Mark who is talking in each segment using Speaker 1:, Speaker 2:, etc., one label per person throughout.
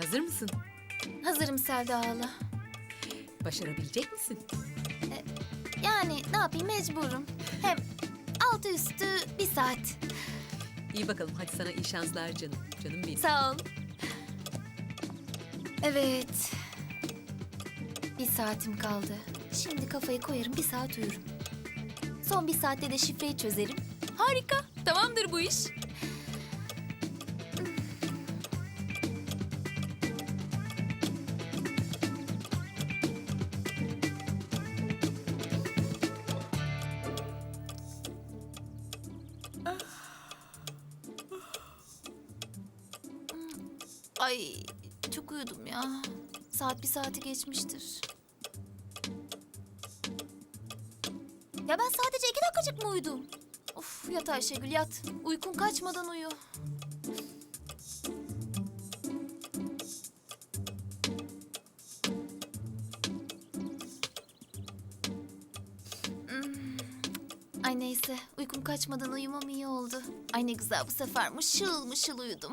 Speaker 1: Hazır mısın?
Speaker 2: Hazırım Selda hala.
Speaker 1: Başarabilecek misin?
Speaker 2: Yani ne yapayım, mecburum. Hem altı üstü bir saat.
Speaker 1: İyi bakalım, hadi sana iyi şanslar canım. Canım benim.
Speaker 2: Sağ ol. Evet. Bir saatim kaldı. Şimdi kafayı koyarım, bir saat uyurum. Son bir saatte de şifreyi çözerim. Harika, tamamdır bu iş. Ay, çok uyudum ya. Saat bir saati geçmiştir. Ya ben sadece 2 dakikacık mı uyudum? Of, yat Ayşegül yat. Uykun kaçmadan uyu. Ay neyse, uykum kaçmadan uyumam iyi oldu. Ay ne güzel, bu sefer mışıl mışıl uyudum.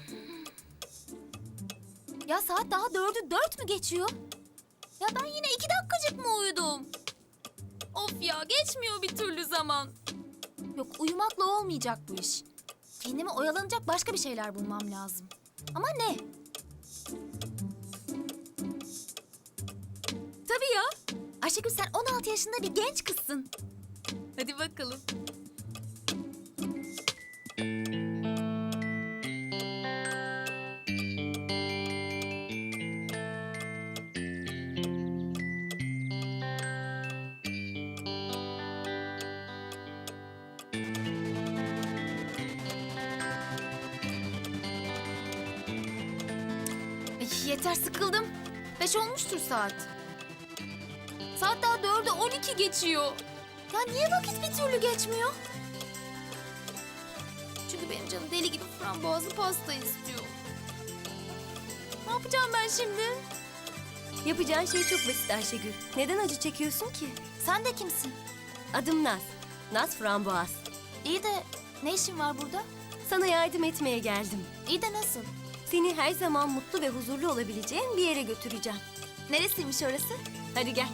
Speaker 2: Ya saat daha 4'ü 4 mü geçiyor? Ya ben yine 2 dakikacık mı uyudum? Of ya, geçmiyor bir türlü zaman. Yok, uyumakla olmayacak bu iş. Kendime oyalanacak başka bir şeyler bulmam lazım. Ama ne? Tabii ya. Ayşegül, sen 16 yaşında bir genç kızsın. Hadi bakalım. Yeter, sıkıldım. 5 olmuştur saat. Saat daha 4'e 12 geçiyor. Ya niye vakit bir türlü geçmiyor? Çünkü benim canım deli gibi frambuazlı pasta istiyor. Ne yapacağım ben şimdi?
Speaker 3: Yapacağın şey çok basit Ayşegül. Neden acı çekiyorsun ki?
Speaker 2: Sen de kimsin?
Speaker 3: Adım Naz. Naz Framboğaz.
Speaker 2: İyi de ne işin var burada?
Speaker 3: Sana yardım etmeye geldim.
Speaker 2: İyi de nasıl?
Speaker 3: Seni her zaman mutlu ve huzurlu olabileceğin bir yere götüreceğim.
Speaker 2: Neresiymiş orası?
Speaker 3: Hadi gel.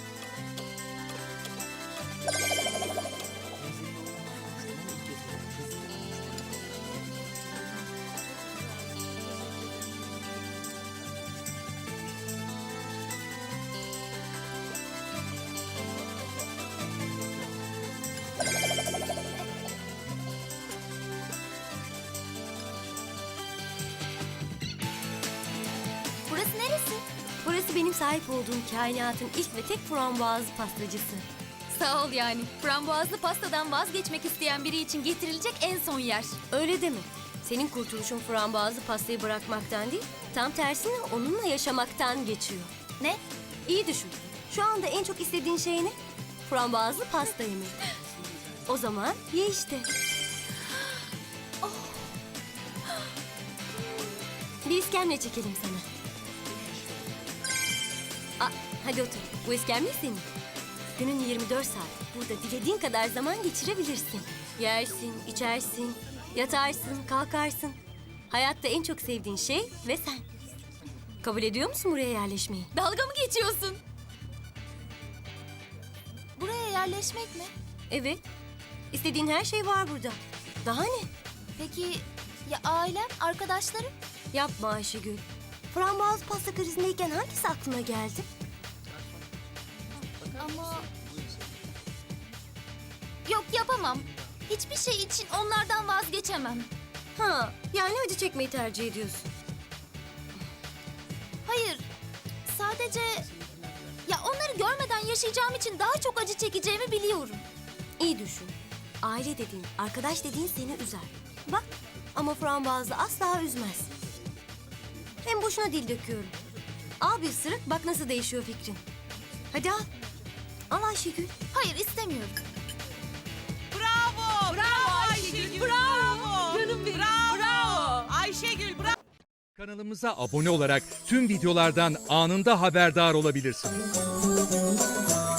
Speaker 2: Burası neresi?
Speaker 3: Burası benim sahip olduğum kainatın ilk ve tek frambuazlı pastacısı.
Speaker 2: Sağ ol yani. Frambuazlı pastadan vazgeçmek isteyen biri için getirilecek en son yer.
Speaker 3: Öyle deme. Senin kurtuluşun frambuazlı pastayı bırakmaktan değil, tam tersine onunla yaşamaktan geçiyor.
Speaker 2: Ne?
Speaker 3: İyi düşün. Şu anda en çok istediğin şey ne? Frambuazlı pasta yemek. O zaman ye işte. Bir iskemle çekelim sana. Hadi otur. Bu iskemle senin. Günün 24 saat. Burada dilediğin kadar zaman geçirebilirsin. Yersin, içersin, yatarsın, kalkarsın. Hayatta en çok sevdiğin şey ve sen. Kabul ediyor musun buraya yerleşmeyi?
Speaker 2: Dalga mı geçiyorsun? Buraya yerleşmek mi?
Speaker 3: Evet. İstediğin her şey var burada. Daha ne?
Speaker 2: Peki ya ailem, arkadaşlarım?
Speaker 3: Yapma Ayşegül. Frambuaz pasta krizindeyken hangisi aklına geldi?
Speaker 2: Ama... Yok, yapamam. Hiçbir şey için onlardan vazgeçemem.
Speaker 3: Yani acı çekmeyi tercih ediyorsun.
Speaker 2: Hayır, sadece... Ya onları görmeden yaşayacağım için daha çok acı çekeceğimi biliyorum.
Speaker 3: İyi düşün. Aile dediğin, arkadaş dediğin seni üzer. Bak, ama frambuazlı asla üzmez. Hem boşuna dil döküyorum. Al bir ısırık, bak nasıl değişiyor fikrin. Hadi al. Al Ayşegül.
Speaker 2: Hayır, istemiyorum.
Speaker 4: Bravo! Bravo Ayşegül! Bravo! Canım benim! Bravo! Ayşegül bravo!
Speaker 5: Kanalımıza abone olarak tüm videolardan anında haberdar olabilirsiniz.